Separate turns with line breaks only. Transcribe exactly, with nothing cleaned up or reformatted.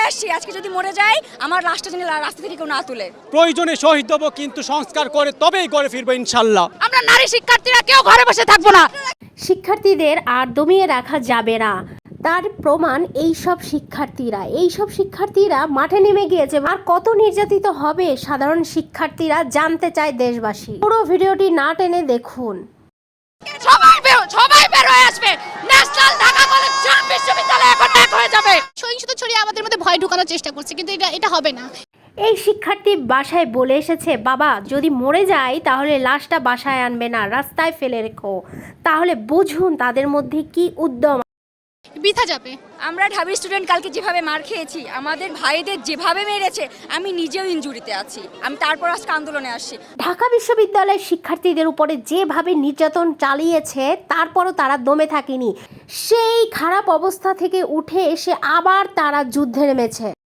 আসছি, আজকে যদি মরে যাই আমার লাশটা যেন রাস্তা থেকে কেউ না তুলে।
প্রয়োজনে শহীদ হব, কিন্তু সংস্কার করে তবেই ঘরে ফিরবো ইনশাল্লাহ।
আমরা নারী শিক্ষার্থীরা কেউ ঘরে বসে থাকবো না।
শিক্ষার্থীদের আর দমিয়ে রাখা যাবে না, তার প্রমাণ এই সব শিক্ষার্থীরা এই সব শিক্ষার্থীরা মাঠে নেমে গিয়েছে। আর কত নির্যাতিত হবে সাধারণ শিক্ষার্থীরা জানতে চায় দেশবাসী। পুরো ভিডিওটি না টেনে দেখুন।
সবাই বের সবাই বের হয়ে আসবে। ন্যাশনাল ঢাকা কলেজ বিশ্ববিদ্যালয় এখন এক হয়ে যাবে।
সহিংসতা ছড়িয়ে আমাদের মধ্যে ভয় ঢোকানোর চেষ্টা করছে, কিন্তু এটা এটা হবে না।
এই শিক্ষার্থী বাসায় বলে এসেছে, বাবা যদি মরে যায় তাহলে লাশটা বাসায় আনবে না, রাস্তায় ফেলে রেখো। তাহলে বুঝুন তাদের মধ্যে কি উদ্যম।
বৃথা যাবে।
আমরা ঢাবি স্টুডেন্ট কালকে যেভাবে মার খেয়েছি, আমাদের ভাইদের যেভাবে মেরেছে, আমি নিজেও ইনজুরিতে আছি, আমি তারপর আজকে আন্দোলনে আসছি।
ঢাকা বিশ্ববিদ্যালয়ের শিক্ষার্থীদের উপরে যেভাবে নির্যাতন চালিয়েছে তারপরও তারা দমে থাকেনি। সেই খারাপ অবস্থা থেকে উঠে এসে আবার তারা যুদ্ধে নেমেছে।